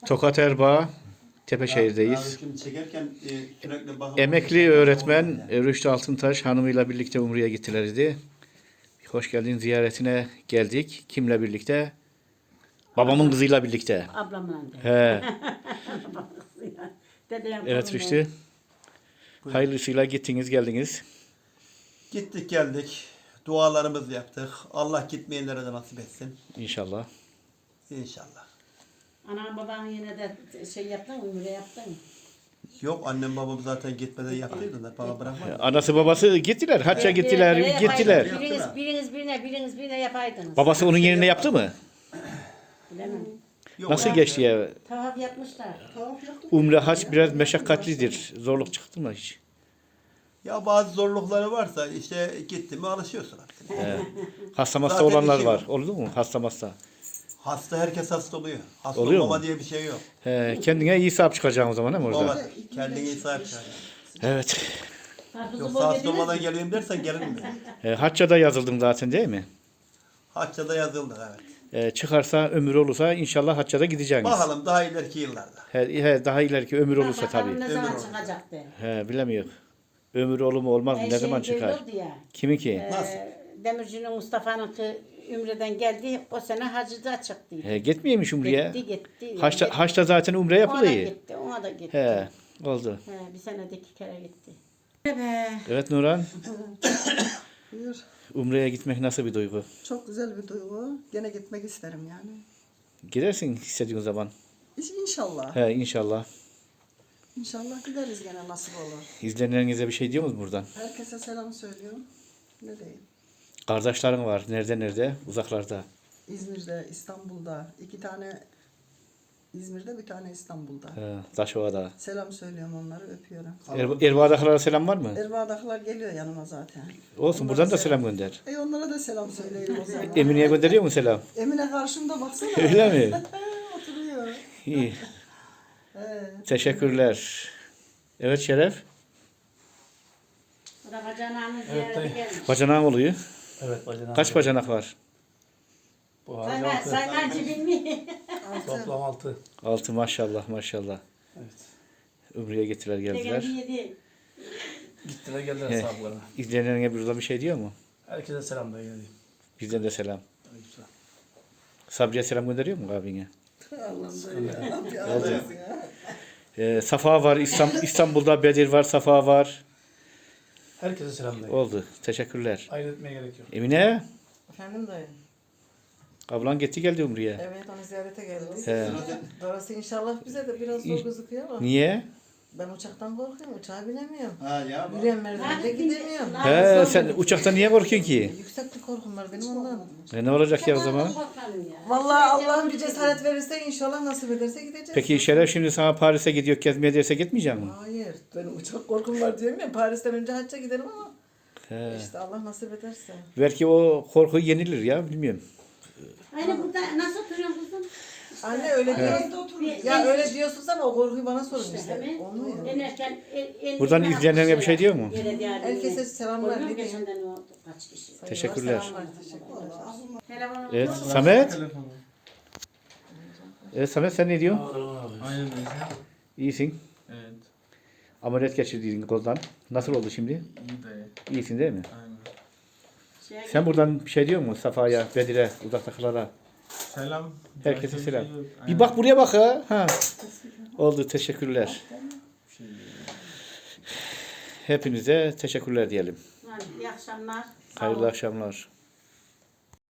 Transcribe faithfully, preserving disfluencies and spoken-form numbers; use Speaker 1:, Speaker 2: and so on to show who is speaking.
Speaker 1: Tokat Erbaa, Tepeşehir'deyiz.
Speaker 2: Abi çekerken e, sürekli bakıp
Speaker 1: Emekli öğretmen Rüştü Altıntaş hanımıyla birlikte Umre'ye gittiler idi. Hoş geldin ziyaretine geldik. Kimle birlikte? Babamın kızıyla birlikte.
Speaker 3: Ablamla.
Speaker 1: He.
Speaker 3: Dedem
Speaker 1: Evet Rüştü. Hayırlısıyla gittiniz geldiniz.
Speaker 2: Gittik geldik. Dualarımızı yaptık. Allah gitmeyenlere de nasip etsin.
Speaker 1: İnşallah.
Speaker 2: İnşallah.
Speaker 3: Anam baban yine de şey yaptın mı? Umre yaptın mı?
Speaker 2: Yok annem babam zaten gitmeden yaptıydı da bana bırakmadı.
Speaker 1: Anası babası gittiler. Hacca gittiler,
Speaker 3: Birine
Speaker 1: gittiler.
Speaker 3: yapaydınız. Biriniz, biriniz birine, biriniz birine yapaydınız.
Speaker 1: Babası onun yerine yaptı mı?
Speaker 3: Bilemem.
Speaker 2: Yok,
Speaker 1: Nasıl
Speaker 2: abi.
Speaker 1: geçti ya?
Speaker 3: Tavaf yapmışlar.
Speaker 1: Umre hac biraz meşakkatlidir. Zorluk çıktı mı hiç?
Speaker 2: Ya bazı zorlukları varsa işte gitti mi alışıyorsun artık.
Speaker 1: He. Hasta masta
Speaker 2: Zaten
Speaker 1: olanlar
Speaker 2: işi
Speaker 1: var.
Speaker 2: yok.
Speaker 1: Oldu mu? Hasta masta.
Speaker 2: Hasta herkes hasta oluyor. Hasta
Speaker 1: Oluyor
Speaker 2: olmama
Speaker 1: mu?
Speaker 2: diye bir şey yok.
Speaker 1: He, kendine iyi sahip çıkacaksın o zaman değil mi orada?
Speaker 2: Baba kendine iyi sahip çıkar.
Speaker 1: Evet.
Speaker 3: Karpuzu
Speaker 2: Yoksa
Speaker 3: bol
Speaker 2: hasta
Speaker 3: yediniz
Speaker 2: olmadan
Speaker 3: mi?
Speaker 2: geleyim dersen gelinmiyor.
Speaker 1: E, hacca da yazıldım zaten değil mi?
Speaker 2: Hacca'da yazıldık evet.
Speaker 1: E, çıkarsa ömür olursa inşallah hacca da gideceksiniz.
Speaker 2: Bakalım daha ileriki yıllarda.
Speaker 1: He, he, daha ileriki ömür olursa
Speaker 3: Bakalım
Speaker 1: tabii.
Speaker 3: ne
Speaker 2: Ömür
Speaker 3: zaman
Speaker 2: olur.
Speaker 3: çıkacaktı?
Speaker 1: He, bilemiyor. Ömür olur mu olmaz mı?
Speaker 3: Her
Speaker 1: Ne
Speaker 3: şey
Speaker 1: zaman
Speaker 3: böyle
Speaker 1: çıkar?
Speaker 3: oldu ya.
Speaker 1: Kimin ki?
Speaker 3: Ee,
Speaker 2: Nasıl?
Speaker 3: Demirci'nin Mustafa'nın kı Ümre'den geldi. O sene hacıda çıktı.
Speaker 1: He, gitmeyeymiş Umre'ye.
Speaker 3: Gitti gitti.
Speaker 1: Haçta,
Speaker 3: Gitti.
Speaker 1: haçta zaten umre
Speaker 3: Ona da
Speaker 1: yapılıyor.
Speaker 3: gitti. Ona da gitti.
Speaker 1: He, oldu.
Speaker 3: He, bir senede iki kere gitti. Be.
Speaker 1: Evet Nurhan,
Speaker 4: Buyur.
Speaker 1: Umre'ye gitmek nasıl bir duygu?
Speaker 4: Çok güzel bir duygu. Gene gitmek isterim yani.
Speaker 1: Gidersin istediğin zaman.
Speaker 4: İş- İnşallah.
Speaker 1: He, inşallah.
Speaker 4: İnşallah gideriz gene nasip olur.
Speaker 1: İzleyenlerinize bir şey diyor musunuz buradan?
Speaker 4: Herkese selam söylüyorum. Ne diyeyim?
Speaker 1: Kardeşlerin var. Nerede nerede? Uzaklarda.
Speaker 4: İzmir'de, İstanbul'da. iki tane İzmir'de, bir tane İstanbul'da.
Speaker 1: He, Taşova'da.
Speaker 4: Selam söylüyorum onları, öpüyorum.
Speaker 1: Er, Erbaa'dakilara selam var mı?
Speaker 4: Erbaa'dakiler geliyor yanıma zaten.
Speaker 1: Olsun
Speaker 4: Onlara
Speaker 1: buradan da selam gönder.
Speaker 4: E onlara da selam söyleyeyim o zaman.
Speaker 1: Emine'ye gönderiyor mu selam?
Speaker 4: Emine karşımda baksana.
Speaker 1: Öyle mi?
Speaker 4: Oturuyor.
Speaker 1: İyi.
Speaker 4: Evet.
Speaker 1: Teşekkürler. Evet Şeref.
Speaker 3: O da bacanağını ziyarete gelmiş.
Speaker 1: Bacanağın oluyor.
Speaker 5: Evet bacanak.
Speaker 1: Kaç bacanak var?
Speaker 5: Bu harcı
Speaker 3: Sayma,
Speaker 5: altı.
Speaker 3: sayma cibin
Speaker 5: Toplam altı.
Speaker 1: Altı maşallah maşallah.
Speaker 5: Evet.
Speaker 1: Umre'ye gittiler geldiler.
Speaker 3: Geldi yedi.
Speaker 5: Gittiler geldiler
Speaker 1: He.
Speaker 5: sahiplerine.
Speaker 1: İzleyenlerine burada bir şey diyor mu?
Speaker 5: Herkese selam da geldi.
Speaker 1: Bizden de selam.
Speaker 5: Aleykümselam.
Speaker 1: Sabriye selam gönderiyor mu abine?
Speaker 4: Allah'ım ya. Bir ağlayasın ya.
Speaker 1: Ee, Safa var. İstanbul, İstanbul'da Bedir var. Safa var.
Speaker 5: Herkese selam da geldi.
Speaker 1: Oldu. Teşekkürler.
Speaker 5: Ayırt etmeye gerek yok.
Speaker 1: Emine.
Speaker 4: Efendim dayı.
Speaker 1: Ablan gitti geldi Umre'ye.
Speaker 4: Evet onu ziyarete geldik.
Speaker 1: He.
Speaker 4: Orası inşallah bize de biraz zor gözüküyor ama.
Speaker 1: Niye?
Speaker 4: Ben uçaktan korkuyorum, uçağa binemiyorum.
Speaker 2: Ha ya bak.
Speaker 4: Yürüyen merdivende gidemiyorum.
Speaker 1: He, sen uçakta niye korkuyorsun ki?
Speaker 4: Yüksek bir korkum var benim ondan.
Speaker 1: E, ne olacak ya o zaman?
Speaker 4: Vallahi Allah'ım bir cesaret verirse inşallah nasip ederse gideceğiz.
Speaker 1: Peki Şeref şimdi sana Paris'e gidiyor gezmeye derse gitmeyecek misin?
Speaker 4: Hayır, benim uçak korkum var diyorum ya. Paris'ten önce hacca giderim ama
Speaker 1: He.
Speaker 4: işte Allah nasip ederse.
Speaker 1: Belki o korku yenilir ya bilmiyorum.
Speaker 3: Aynen burada nasıl oturuyorsun kızım?
Speaker 4: Anne öyle diyor. Ya öyle diyorsunuz ama o korkuyu bana sorun
Speaker 3: İşte,
Speaker 4: işte.
Speaker 3: hemen
Speaker 4: Olmuyor.
Speaker 3: inerken el- el-
Speaker 1: Buradan
Speaker 3: el-
Speaker 1: izleyenlerine bir şey diyor mu?
Speaker 3: Yere değer
Speaker 4: Herkese
Speaker 3: yine.
Speaker 4: selamlar,
Speaker 3: Oluyor mu
Speaker 4: ne diyeyim?
Speaker 3: geçenden o kaç kişi?
Speaker 1: Teşekkürler.
Speaker 4: Selamlar, teşekkürler.
Speaker 3: Telefonu
Speaker 1: Evet
Speaker 3: bulur mu?
Speaker 1: Samet. Evet Samet sen ne diyorsun?
Speaker 5: Aynen öyle.
Speaker 1: İyisin.
Speaker 6: Evet,
Speaker 1: Ameliyat geçirdiğin koldan. Nasıl oldu şimdi?
Speaker 6: iyi dayı.
Speaker 1: İyisin değil mi?
Speaker 6: Aynen.
Speaker 3: Şeye
Speaker 1: Sen buradan bir şey diyor musun Safa'ya, Bedir'e, uzaktakılara?
Speaker 6: Selam.
Speaker 1: Herkese
Speaker 6: Başka bir
Speaker 1: selam.
Speaker 6: şey yok.
Speaker 1: Bir
Speaker 6: Aynen.
Speaker 1: bak buraya bak ha. ha. Oldu teşekkürler.
Speaker 6: Bir şey yok.
Speaker 1: Hepinize teşekkürler diyelim.
Speaker 3: Hadi, İyi akşamlar. Sağ
Speaker 1: Hayırlı
Speaker 3: olun.
Speaker 1: akşamlar.